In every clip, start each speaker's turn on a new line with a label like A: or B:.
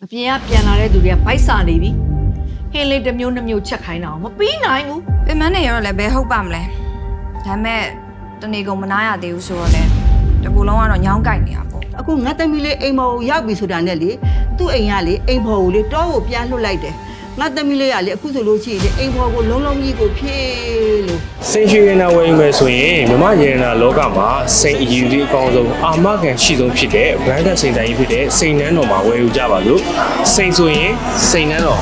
A: အပြင်ကပြန်လာတဲ့သူတွေကဗိုက်စာနေပြီဟင်းလေးတစ်မျိုးနှစ်မျိုးချက်ခိုင်းတာမပြီးနိုင်ဘူး
B: ပင်မနေရောလည်းဘယ်ဟုတ်ပါမလဲဒါမဲ့တနေကုန်မနာရသေးဘူးဆိုတော့လေတကူလုံးကတော့ညောင်းကြိုက်နေတာပေါ့
C: အခုငါသမီးလေးအိမ်မော်ကိုရောက်ပြီဆိုတာနဲ့လေသူ့အိမ်ကလေအိမ်ဖော်ကိုလေတောကိုပြန်လွှတ်လိုက်တယ်ငါသမီးလေးကလေအခုဆိုလို့ရှိရင်အိမ်ဖော်ကိုလုံးလုံးကြီးကိုဖြည့်လို့
D: စိန်ရွှေရနာဝယ်ယူမယ်ဆိုရင်မြမရေနာလောကမှာစိန်အယူဒီအကောင်းဆုံးအာမခံရှိဆုံးဖြစ်တဲ့ branded စိန်တိုင်းဖြစ်တဲ့စိန်နန်းတော်မှာဝယ်ယူကြပါလို့စိန်ဆိုရင်စိန်နန်းတော်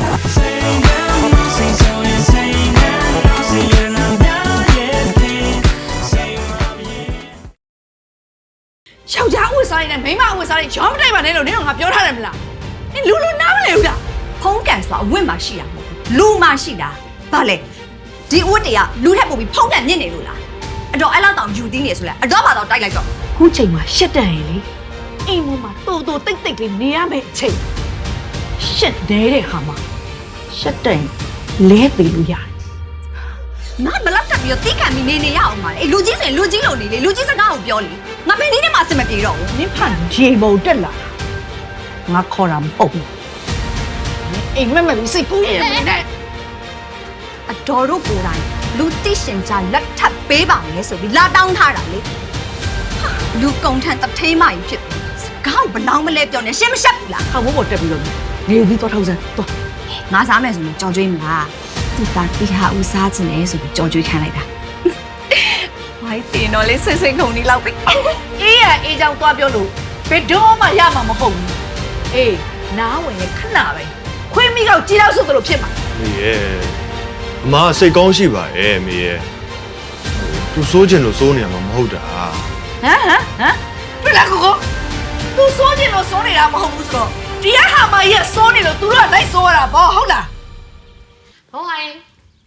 A: ယောက်ျားအဝတ်စားရင်လည်းမိန်းမအဝတ်စားရင်ရောမတိုက်ပါနဲ့လို့နင်တို့ငါပြောထားတယ်မလားနင်လူနားမလဲဘူးလား
B: ဖုံးကန်ဆိုတာအဝတ်မှရှိတာမဟုတ်ဘူးလူမှရှိတာဘာလဲဒီအဝတ်တွေကလူထက်ပိုပြီးဖုံးကန်ညစ်နေလို့လားအတော့အဲ့လောက်တောင်ယူသေးနေဆိုလဲအတော့ဘာတော့တိုက်လိုက်တော့
A: ခုချိန်မှာရှက်တန်ရင်လေအိမ်ပေါ်မှာတိုးတိုးတိတ်တိတ်လေးနေရမယ့်အချိန်ရှက်နေတဲ့ခါမှာရှက်တန်လဲသေးလို့ရတယ်
B: ငါဘလောက်တက်ပြီးတော့တိကန်ပြီးနေရအောင်ပါလေအေးလူကြီးဆိုရင်လူကြီးလို့နေလေလူကြီးစကားကိုပြောလေငါဘယ်နည်းနဲ့မှအဆင်မပြေတော့ဘူး
A: နင်ဖန်ဂျေမုံတက်လာငါခေါ်တာမဟုတ်ဘူးအိမ်မက်မပြီးစိတ်ကူးနေတယ်မင်းနဲ့
B: အတော်တို့ကိုယ်တိုင်လူသိရှင်ကြလက်ထပ်ပေးပါမယ်ဆိုပြီးလာတောင်းထားတာလေဟာလူကုံထန်တထေးမကြီးဖြစ်စကားကိုဘလောင်းမလဲပြောနေရှင်းမရှက်ဘူးလား
A: ဟောက်ဘောတက်ပြီးတော့နေပြီးတော့ထောက်စမ်းတော့
B: ငါစားမယ်ဆိုရင်ကြော်ကြွေးမလားသူတာတိဟာဦးစားခြင်းလေဆိုပြီးကြော်ကြွေးခံလိုက်တာဝိုင်းတင်တော့လေဆိတ်ဆိတ်ခုန်နေလောက်ပဲ
A: အေးရအေးချောင်းသွားပြောလို့ဘယ်တော့မှရမှာမဟုတ်ဘူးအေးနားဝင်ရင်ခဏပဲခွေးမိကောက်ကြီးတော့ဆိုသလိုဖြစ်မှာ
E: မေရဲ့အမစိတ်ကောင်းရှိပါရဲ့မေရဲ့သူစိုးကျင်လို့စိုးနေရမှာမဟုတ်တာ
A: ဟမ်ပြလာကိုသူစိုးနေလို့စိုးနေတာမဟုတ်ဘူးဆိုတော့ဒီဟာမကြီးကစိုးနေလို့သူတို့ကလိုက်စိုးရတာပေါ့ဟုတ်လား
F: ဟုတ်ဟိုင်း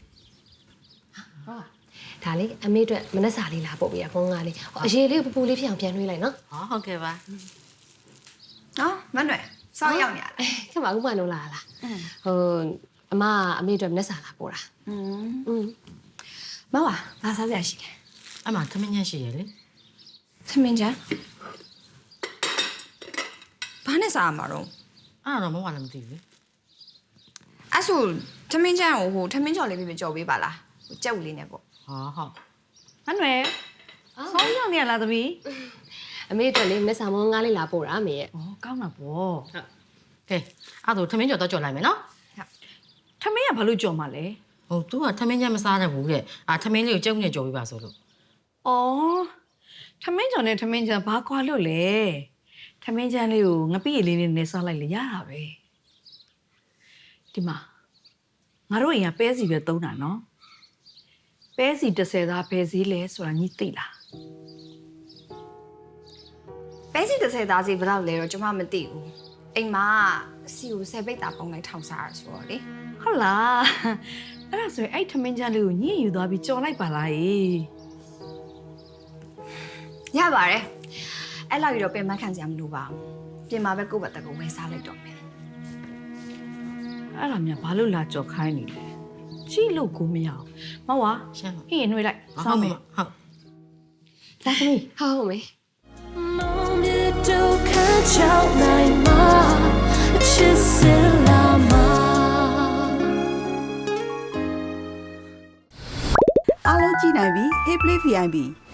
F: ဒါလေးအမေအတွက်မနှက်စာလေးလာပို့ပေးရဖုန်းကားလေးအရေးလေးပူပူလေးဖြစ်အောင်ပြန်နှွှေးလိုက်နော်
A: ဟုတ်ကဲ့ပါ
B: နော်မနှွယ်စောင်းရောက်နေရလား
F: ခင်ဗျာဥမလုံးလာလားဟိုအမအမေအတွက်မနှက်စာလာပို့တာ
B: မဝါဘာစားစရာရှိလဲ
G: အမှသမင်းညက်ရှိရလေ
B: သမင်းချမ်းဘာနဲ့စားရမှာတော့
G: အဲ့တော့မဟုတ်လည်းမသိဘူး
B: အဲ့ဆိုသမင်းချမ်းကိုဟိုသမင်းချော်လေးပြီးကြော်ပေးပါလားဟိုကြက်ဝူလေးနဲ့ပေါ့
G: ဟာဟုတ်
A: မနှွယ်ဆောင်းရောက်နေရလားသမီး
F: အမေအတွက်လေးမနှက်စာမောင်းကားလေးလာပို့တာအမေရဲ့
A: ဩကောင်းတာပေါ့
G: ကဲအဲ့တော့သမင်းကြော်တော့ကြော်လိုက်မယ်နော်
A: ထမင်းကဘာလို့ကြော်မှာလဲ
G: ဟို तू ကသမင်းညက်မစားတတ်ဘူးတဲ့သမင်းလေးကိုကြုံနဲ့ကြော်ပေးပါဆိုလို့
A: ဩထမင်းကြော်နဲ့ထမင်းချမ်းဘာကွာလို့လဲထမင်းချမ်းလေးကိုငပိရည်လေးနဲ့စားလိုက်လေရတာပဲဒီမှာငါတို့အိမ်ကပဲစီပဲသုံးတာနော်ပဲစီ30သားပဲစည်းလဲဆိုတာညီသိလား
B: ပဲစီ30သားစီဘယ်လောက်လဲတော့ကျွန်မမသိဘူးအိမ်မှာစီကို10ပိတ်တာပုံလိုက်ထောင်စားရဆိုတော့လေ
A: ဟုတ်လားအဲ့ဒါဆိုရင်အဲ့ထမင်းချမ်းလေးကိုညှိယူသွားပြီးကြော်လိုက်ပါလား
B: ရပါတယ်အဲ့လောက်ရတော့ပင်မခံစရာမလိုပါဘူးပြင်မှာပဲကိုယ့်ဘက်တကူဝယ်စားလိုက်တော့မယ်
A: အဲ့ဒါများဘာလို့လာကြော်ခိုင်းနေလဲကြည့်လို့ကိုမရအောင်မဝါ
G: ရှင်းပါ
A: ဟင်းနှွေးလိုက်
G: ဟု
A: စောင်း
G: တ်
A: မယ်
G: ဟုတ်
A: လာသမီး
F: ဟုတ်မေ
C: အားလုံးကြည့်နိုင်ပြီ Hey Play VIP